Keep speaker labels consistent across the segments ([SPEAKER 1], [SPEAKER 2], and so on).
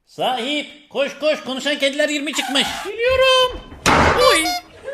[SPEAKER 1] Sahip koş koş, konuşan kediler 20 çıkmış.
[SPEAKER 2] Geliyorum. Oy.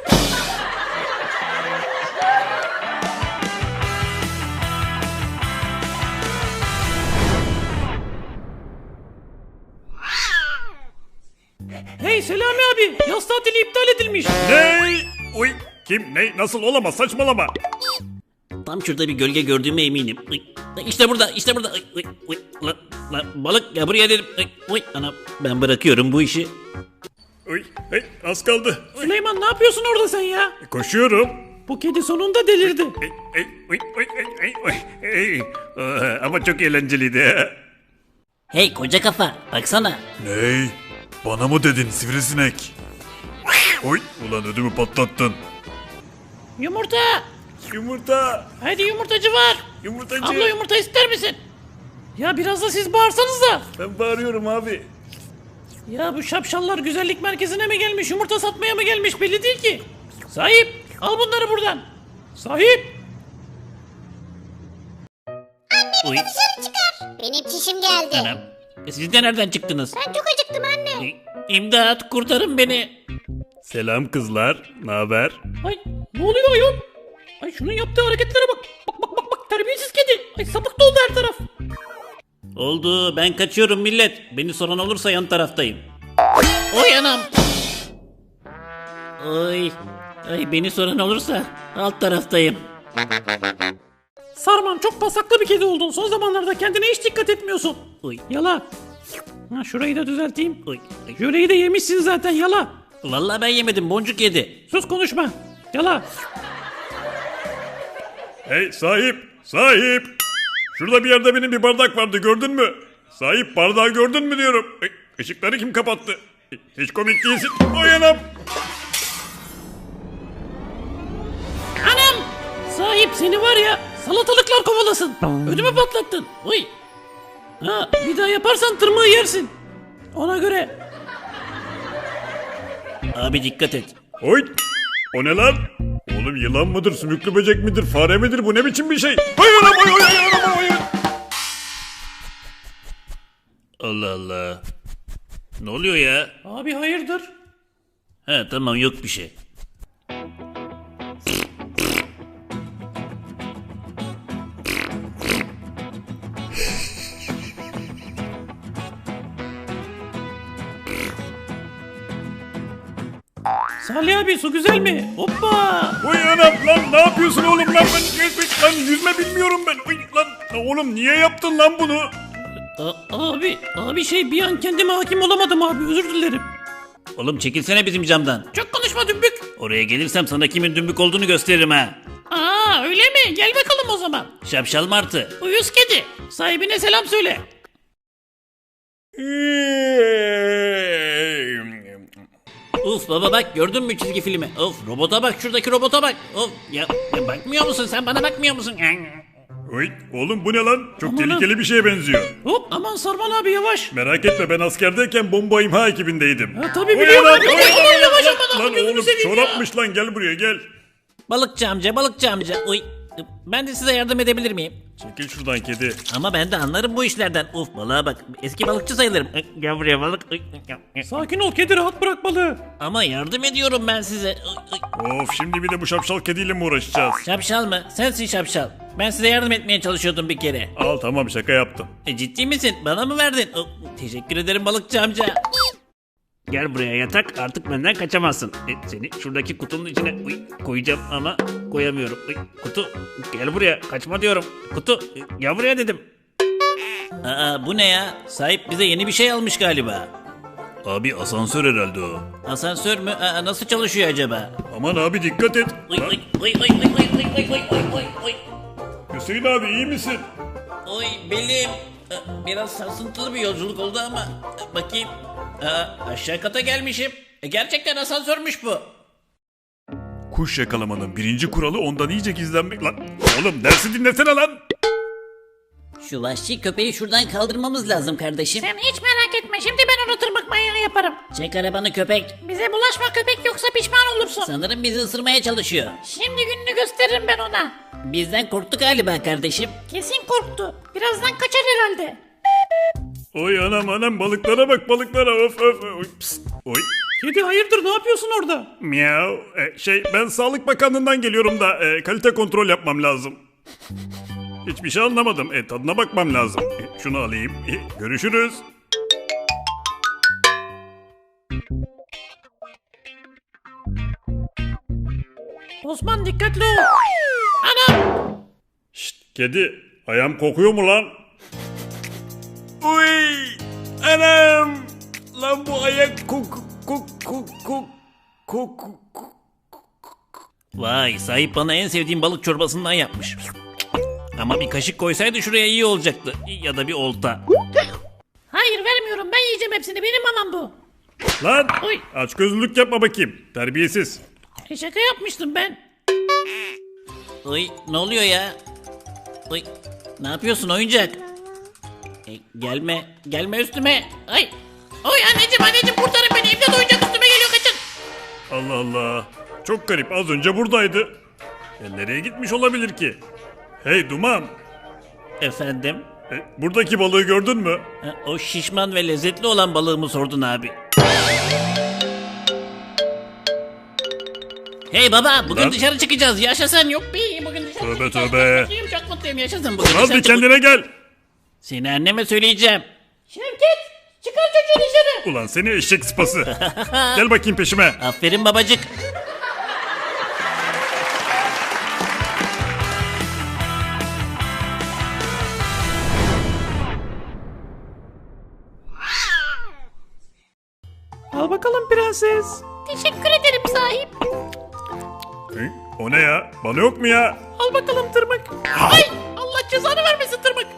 [SPEAKER 2] Hey Selami abi, yaz tatili iptal edilmiş.
[SPEAKER 3] Ne? Uy, kim? Ne? Nasıl olamaz? Saçmalama.
[SPEAKER 1] Tam şurada bir gölge gördüğüme eminim. Uy, İşte burada, işte burada. Uy, uy, uy. Balık ya, buraya dedim. Uy, uy. Ana, ben bırakıyorum bu işi.
[SPEAKER 3] Uy, hey, az kaldı.
[SPEAKER 2] Süleyman ne yapıyorsun orada sen ya?
[SPEAKER 3] Koşuyorum.
[SPEAKER 2] Bu kedi sonunda delirdi.
[SPEAKER 3] Ama çok eğlenceliydi.
[SPEAKER 1] Hey koca kafa, baksana.
[SPEAKER 3] Ney? Bana mı dedin sivrisinek? Oy, ulan ödümü patlattın.
[SPEAKER 2] Yumurta.
[SPEAKER 3] Yumurta.
[SPEAKER 2] Hadi yumurtacı var.
[SPEAKER 3] Yumurtacı.
[SPEAKER 2] Abla yumurta ister misin? Ya biraz da siz bağırsanız da.
[SPEAKER 3] Ben bağırıyorum abi.
[SPEAKER 2] Ya bu şapşallar güzellik merkezine mi gelmiş, yumurta satmaya mı gelmiş belli değil ki. Sahip, al bunları buradan. Sahip.
[SPEAKER 1] Uy.
[SPEAKER 4] Benim çişim geldi.
[SPEAKER 1] Anam. Siz de nereden çıktınız?
[SPEAKER 4] Ben çok acıktım anne.
[SPEAKER 1] İmdat, kurtarın beni.
[SPEAKER 3] Selam kızlar. Ne haber?
[SPEAKER 2] Ay ne oluyor ayol? Ay şunun yaptığı hareketlere bak. Bak terbiyesiz kedi. Ay sapık doldu her taraf.
[SPEAKER 1] Oldu, ben kaçıyorum millet. Beni soran olursa yan taraftayım. Oy anam. Oy. Ay, beni soran olursa alt taraftayım.
[SPEAKER 2] Sarman çok pasaklı bir kedi oldun. Son zamanlarda kendine hiç dikkat etmiyorsun.
[SPEAKER 1] Oy.
[SPEAKER 2] Yala. Ha, şurayı da düzelteyim.
[SPEAKER 1] Oy.
[SPEAKER 2] Jöleyi de yemişsin zaten yala.
[SPEAKER 1] Vallahi ben yemedim, boncuk yedi.
[SPEAKER 2] Sus konuşma. Yala.
[SPEAKER 3] Hey sahip. Sahip. Şurada bir yerde benim bir bardak vardı, gördün mü? Sahip, bardağı gördün mü diyorum. Işıkları kim kapattı? Hiç komik değilsin. Oy anam.
[SPEAKER 2] Anam. Sahip seni var ya salatalıklar kovalasın. Ödümü patlattın. Uy. Ha, bir daha yaparsan tırmığı yersin. Ona göre.
[SPEAKER 1] Abi dikkat et.
[SPEAKER 3] Oy! O ne lan? Oğlum yılan mıdır, sümüklü böcek midir, fare midir? Bu ne biçim bir şey? Oy anam, oy oy oy anam, oy.
[SPEAKER 1] Allah Allah. Ne oluyor ya?
[SPEAKER 2] Abi hayırdır?
[SPEAKER 1] He tamam, yok bir şey.
[SPEAKER 2] Salih abi su güzel mi? Hoppa.
[SPEAKER 3] Oy anam lan, ne yapıyorsun oğlum lan? Lan yüzme bilmiyorum ben. Oy lan oğlum, niye yaptın lan bunu?
[SPEAKER 2] Abi şey bir an kendime hakim olamadım abi özür dilerim.
[SPEAKER 1] Oğlum çekilsene bizim camdan.
[SPEAKER 2] Çok konuşma dümbük.
[SPEAKER 1] Oraya gelirsem sana kimin dümbük olduğunu gösteririm ha.
[SPEAKER 2] Aa öyle mi? Gel bakalım o zaman.
[SPEAKER 1] Şapşal martı.
[SPEAKER 2] Uyuz kedi. Sahibine selam söyle.
[SPEAKER 1] Uf baba bak, gördün mü çizgi filmi? Of, robota bak, şuradaki robota bak. Of ya, bakmıyor musun sen, bana bakmıyor musun?
[SPEAKER 3] Oy oğlum, bu ne lan? Çok
[SPEAKER 2] Aman
[SPEAKER 3] tehlikeli bir şeye benziyor.
[SPEAKER 2] Hop aman Sarman abi yavaş.
[SPEAKER 3] Merak etme, ben askerdeyken bomba imha ekibindeydim.
[SPEAKER 2] Ha, tabii
[SPEAKER 3] Oy
[SPEAKER 2] biliyorum.
[SPEAKER 3] anam,
[SPEAKER 2] Abi,
[SPEAKER 3] oy,
[SPEAKER 2] oy,
[SPEAKER 3] oy, oy,
[SPEAKER 2] yavaş
[SPEAKER 3] lan,
[SPEAKER 2] aman
[SPEAKER 3] lan
[SPEAKER 2] abi, gözünü
[SPEAKER 3] oğlum
[SPEAKER 2] seveyim ya.
[SPEAKER 3] çorapmış lan, gel buraya gel.
[SPEAKER 1] Balıkçı amca, balıkçı amca. Oy, ben de size yardım edebilir miyim?
[SPEAKER 3] Çekil şuradan kedi.
[SPEAKER 1] Ama ben de anlarım bu işlerden. Uf balığa bak, eski balıkçı sayılırım. Gel buraya balık.
[SPEAKER 2] Sakin ol kedi rahat bırak balığı.
[SPEAKER 1] Ama yardım ediyorum ben size.
[SPEAKER 3] Of, şimdi bir de bu şapşal kediyle mi uğraşacağız?
[SPEAKER 1] Şapşal mı? Sensin şapşal. Ben size yardım etmeye çalışıyordum bir kere.
[SPEAKER 3] Al tamam, şaka yaptım.
[SPEAKER 1] Ciddi misin? Bana mı verdin? Teşekkür ederim balıkçı amca. Gel buraya yatak, artık benden kaçamazsın. Seni şuradaki kutunun içine koyacağım ama koyamıyorum. Kutu, gel buraya, kaçma diyorum. Kutu, gel buraya dedim. Aa, bu ne ya? Sahip bize yeni bir şey almış galiba.
[SPEAKER 3] Abi asansör herhalde o.
[SPEAKER 1] Asansör mü? Aa, nasıl çalışıyor acaba?
[SPEAKER 3] Aman abi dikkat et.
[SPEAKER 1] Oy
[SPEAKER 3] Lan,
[SPEAKER 1] oy oy oy oy oy oy oy oy oy oy oy.
[SPEAKER 3] Hüseyin abi iyi misin?
[SPEAKER 1] Oy belim. Biraz sarsıntılı bir yolculuk oldu ama bakayım. Aşağı kata gelmişim. Gerçekten asansörmüş bu.
[SPEAKER 3] Kuş yakalamanın birinci kuralı ondan iyice gizlenmek lan. Oğlum dersi dinlesene lan.
[SPEAKER 1] Şu vahşi köpeği şuradan kaldırmamız lazım kardeşim.
[SPEAKER 4] Sen hiç merak etme, şimdi ben onu tırmık manyağı yaparım.
[SPEAKER 1] Çek arabanı köpek.
[SPEAKER 4] Bize bulaşma köpek, yoksa pişman olursun.
[SPEAKER 1] Sanırım bizi ısırmaya çalışıyor.
[SPEAKER 4] Şimdi gününü gösteririm ben ona.
[SPEAKER 1] Bizden korktu galiba kardeşim.
[SPEAKER 4] Kesin korktu. Birazdan kaçar herhalde.
[SPEAKER 3] Oy anam balıklara bak balıklara of of. Oy, pst, oy.
[SPEAKER 2] Kedi hayırdır ne yapıyorsun orada?
[SPEAKER 3] Miau. Ben Sağlık Bakanlığı'ndan geliyorum da kalite kontrol yapmam lazım. Hiçbir şey anlamadım. Tadına bakmam lazım. Şunu alayım. Görüşürüz.
[SPEAKER 4] Osman dikkatli ol. Anam.
[SPEAKER 3] Şşt kedi. Ayağım kokuyor mu lan? Uy. Anam. Lan bu ayak
[SPEAKER 1] Vay sahip bana en sevdiğim balık çorbasından yapmış. Ama bir kaşık koysaydı şuraya iyi olacaktı. Ya da bir olta.
[SPEAKER 4] Hayır vermiyorum ben yiyeceğim hepsini benim mamam bu.
[SPEAKER 3] Lan
[SPEAKER 4] Oy.
[SPEAKER 3] açgözlülük yapma bakayım. Terbiyesiz.
[SPEAKER 4] Şaka yapmıştım ben.
[SPEAKER 1] Oy ne oluyor ya? Oy ne yapıyorsun oyuncak? Gelme üstüme.
[SPEAKER 4] Ay. Oy anneciğim kurtarın beni. İmdat oyuncak üstüme geliyor kaçın.
[SPEAKER 3] Allah Allah. Çok garip. Az önce buradaydı. Nereye gitmiş olabilir ki? Hey Duman.
[SPEAKER 1] Efendim?
[SPEAKER 3] Buradaki balığı gördün mü?
[SPEAKER 1] O şişman ve lezzetli olan balığımı sordun abi. Hey baba bugün
[SPEAKER 3] Lan.
[SPEAKER 1] dışarı çıkacağız yaşasın yok.
[SPEAKER 4] Bugün dışarı
[SPEAKER 3] Tövbe
[SPEAKER 4] çıkacağız.
[SPEAKER 3] tövbe.
[SPEAKER 4] Mutluyum, çok mutluyum yaşasın.
[SPEAKER 1] Bugün
[SPEAKER 3] Lan
[SPEAKER 1] dışarı
[SPEAKER 3] bir kendine gel.
[SPEAKER 1] Seni anneme söyleyeceğim.
[SPEAKER 4] Şevket çıkar çocuğu dışarı.
[SPEAKER 3] Ulan seni eşek sıpası. Gel bakayım peşime.
[SPEAKER 1] Aferin babacık.
[SPEAKER 2] Al bakalım prenses.
[SPEAKER 4] Teşekkür ederim sahip.
[SPEAKER 3] O ne ya? Bana yok mu ya?
[SPEAKER 2] Al bakalım tırmık.
[SPEAKER 4] Ay Allah cezanı vermesin tırmık.